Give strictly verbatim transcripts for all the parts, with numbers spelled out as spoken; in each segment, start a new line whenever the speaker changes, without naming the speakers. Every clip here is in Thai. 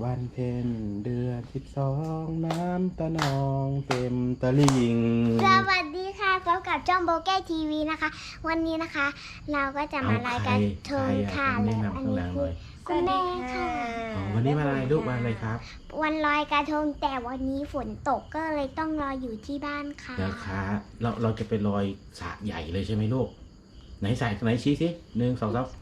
วันเพ็ญเดือนสิบสองน้ำตะนองเต็มตะลิ่ง
สวัสดีค่ะพบกับจ้องโบเก้ทีวีนะคะวันนี้นะคะ เราก็จะมารายการเทิงค่ะแล้วอันนี้คือคุณแม่ค่ะ
วันนี้วันอะไรลูกวันอะไรครับ
วันลอยกระทงแต่วันนี้ฝนตกก็เลยต้องรออยู่ที่บ้านค่ะ
นะคะเราเราจะไปลอยสระใหญ่เลยใช่ไหมลูกไหนสระไหนชี้สิหนึ่งสองสาม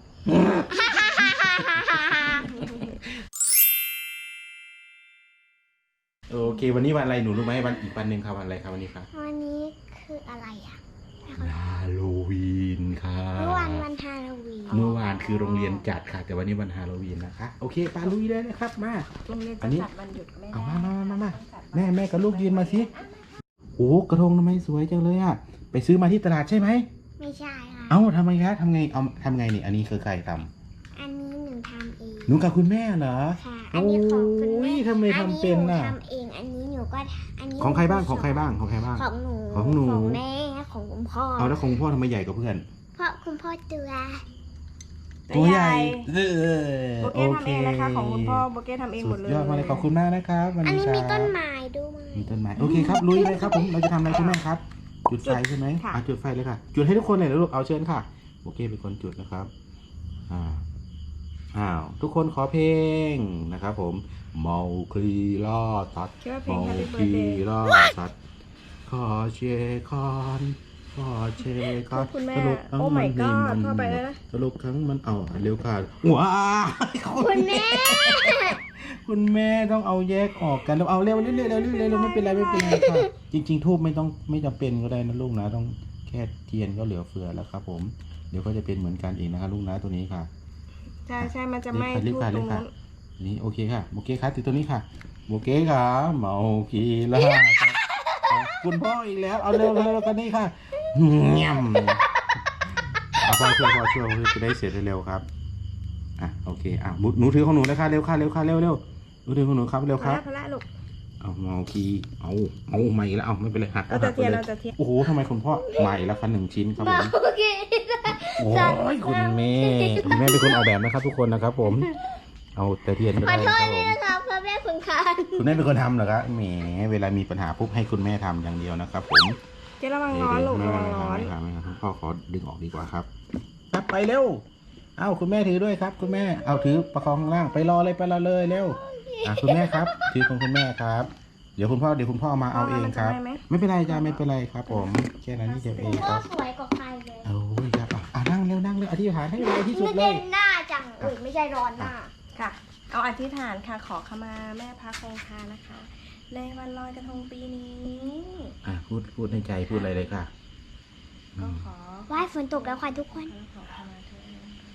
โอเควันนี้วันอะไรหนูรู้ไหมวันอีกวันหนึ่งครับวันอะไรครับวันนี้ครับ
วันนี้คืออะไรอ่ะ
ฮาโลวีนค่ะ
เมื่อวานวันฮาโลวีน
เมื่อวานคือโรงเรียนจัดค่ะแต่วันนี้วันฮาโลวีนนะคะโอเคปาลุยได้เลยครับมา
โรงเรียนจะจัดวันหยุดไม่ได้
เอามามามามาแม่แม่กับลูกยืนมาสิโอ้กระทงทำไมสวยจังเลยอ่ะไปซื้อมาที่ตลาดใช่ไหม
ไม่ใช่ค่ะ
เอ้าทำไมคะทำไงเอาทำไงนี่อันนี้คือใครทำ
อันนี้หนูทำเอง
หนูกับคุณแม่เหรอ
ค่ะอันนี้ของคุณแม่
ทำไมทำเป็นน่ะ
ทำเองอันนี้หนูก็อันนี้
ของใครบ้างของใครบ้างของใครบ้าง
ของหนู
ของหนู
ของแม่ของคุณพ่อ
เอาแล้วของพ่อทำไมใหญ่กว่าเพื่อน
เพราะคุณพ่อตัว
ตัวใหญ่
โบเก้ทำเองนะคะของคุณพ่อโบเก้ทำเองหมดเลย
ยอดมาเลยขอบคุณมากนะครับวัน
นี้
อันนี้
มีต้นไม้ด้วย
มีต้นไม้โอเคครับลุยเลยครับผมเราจะทำอะไรคุณแม่ครับจุดไฟใช่ไหมอ่ะจุดไฟเลยค่ะจุดให้ทุกคนเลยนะลูกเอาเชิญค่ะโอเคเป็นคนจุดนะครับอ่าอ้าวทุกคนขอเพลงนะครับผมเมาคลีล่อตัดเมาคลีล่อตัดขอเชคอนขอเชคอน
คุณแม่โอ้ my god พ่อไปแล้วนะ
สรุปครั้งมันเอาเร็วค่ะว้า
คุณแม่
คุณแม่ต้องเอาแยกออกกันแล้วเอาเร็วเร็วเร็วเร็วเร็วไม่เป็นไรไม่เป็นไรค่ะจริงๆทูบไม่ต้องไม่จำเป็นก็ได้นะลูกนะต้องแค่เทียนก็เหลือเฟือแล้วครับผมเดี๋ยวก็จะเป็นเหมือนกันเองนะคะลูกนะตัวนี้ค่ะ
ใช่ใช่มันจะไม่
ทูบตรงนั้นนี่โอเคค่ะโอเคครับติดตัวนี้ค่ะโอเคค่ะเมาคีล่าคุณพ่ออีกแล้วเอาเร็วเร็วกันนี่ค่ะเงี่ยมพ่อช่วยพ่อช่วยจะได้เสร็จเร็วครับอ่ะโอเคอ่ะหนูถือของหนูเลยค่ะเร็วค่ะเร็วค่ะเร็วเร็วหนูถือของหนูครับเร็วครับ
พละลูก
เอาเมาคีเอาเอาใหม่แล้วเอาไม่เป็นไรหัก
เราจะเทียนเราจะเทียน
โอ้โหทำไมคุณพ่อใหม่แล้วคะหนึ่งชิ้นครับผมโอ้ยคุณแม่คุณแม่เป็นคนออกแบบนะครับทุกคนนะครับผมเอาแต่เทียนก็ได้ครับผม
พ่อแม่คุณค่ะ
คุณแม่เป็นคนทำเหรอครับแหมเวลามีปัญหาปุ๊บให้คุณแม่ทำอย่างเดียวนะครับผม
เจ๊ระวังร้อนลูกระวังร้อน
ไม่ครับไม่ครับพ่อขอดึงออกดีกว่าครับครับไปเร็วเอ้าคุณแม่ถือด้วยครับคุณแม่เอาถือประคองข้างล่างไปรอเลยไปรอเลยเร็วอ่ะคุณแม่ครับถือของคุณแม่ครับเดี๋ยวคุณพ่อเดี๋ยวคุณพ่อมาเอาเองครับไม่เป็นไรจ้าไม่เป็นไรครับผมแค่นั้นนี่เดียวเองครับ
สวยกว่าใครเลย
โอ้ยครับอ่ะนั่งเร็วนั่งเร็วอธิษฐานให้ไวที่สุดเลย
หน้าจังอุ้ยไม่ใช่ร้อนหน้า
ค่ะเอาอธิษฐานค่ะขอขมาแม่พระคงคานะคะในวันลอยกระทงปีนี้
อ่ะพูดพูดในใจพูดอะไรเลยค่ะ
ก็ขอ
ไหว้ฝนตกแล้วค่ะทุกคน
ขอขมาเธอ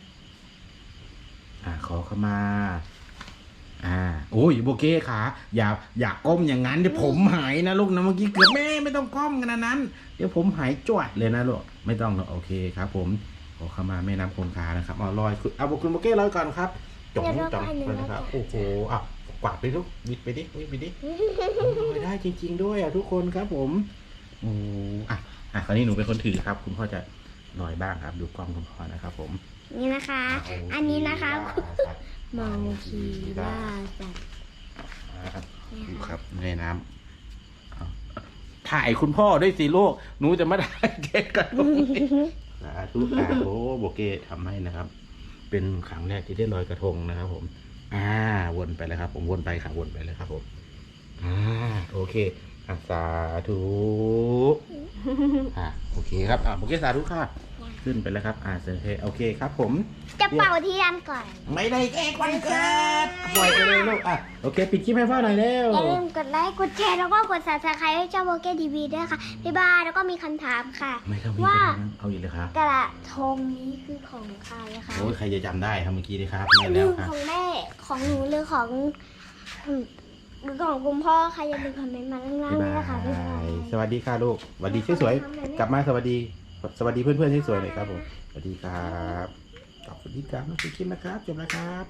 อ่ะขอขมาอ่าโอ้ยโบเก้ขาอย่าอย่าก้มอย่างนั้นเดี๋ยวผมหายนะลูกนะเมื่อกี้เกือบแม่ไม่ต้องก้มขนาดนั้นเดี๋ยวผมหายจวดเลยนะลูกไม่ต้องหรอกโอเคครับผมขอขมาแม่น้ำคงคานะครับเอาลอยเอาคุณโบเก้ลอยก่อนครับจ่องจ่องเลยนะครับโอ้โหอ่ะกวาดไปลูกวิดไปดิวิดไปดิลอยได้จริงๆด้วยอ่ะทุกคนครับผมโอ้อ่ะอ่ะคราวนี้หนูเป็นคนถือครับคุณพ่อจะลอยบ้างครับดูกล้องคุณพ่อนะครับผม
นี่นะคะอันนี้นะคะเมาคีล่าสัตว์
ดูครับในน้ำถ่ายคุณพ่อด้วยสิลูกหนูจะมาได้เก๊กกันสาธุสาธุโบเก้ทำให้นะครับเป็นครั้งแรกที่ได้ลอยกระทงนะครับผมอ่าวนไปเลยครับผมวนไปค่ะวนไปเลยครับผมอ่าโอเคอ่ะสาธุอ่าโอเคครับอ่าโบเก้สาธุค่ะขึ้นไปแล้วครับอ่าโอเคโอเคครับผม
จะเป่าเทียนก่อน
ไม่ได้เค้กวันเกิดปล่อยไปเลยลูกอ่ะโอเคปิดคลิปให้พ่อหน่อยเร็ว
อย่าลืมกดไลค์กดแชร์แล้วก็กด ซับสไครบ์ ให้เจ้าโบเก้ทีวีด้วยค่ะบ๊ายบายแล้วก็มีคำถามค่ะ
ว่าเอาอีกเลยครับ
กระทงนี้คือของใครคะ
โอ้ยใครจะจำได้ทำเมื่อกี้ดีครับ
ไม่แล้วครับของแม่ของหนูหรือของหรือของคุณพ่อใครอย่าลืมคอมเมนต์มาล่างๆด้วยนะคะบ๊ายบาย
สวัสดีค่ะลูกสวัสดีสวยๆกลับมาสวัสดีสวัสดีเพื่อนๆที่สวยเลยครับผมสวัสดีครับขอบคุณที่กลับมาดูคลิปนะครับจบแล้วครับ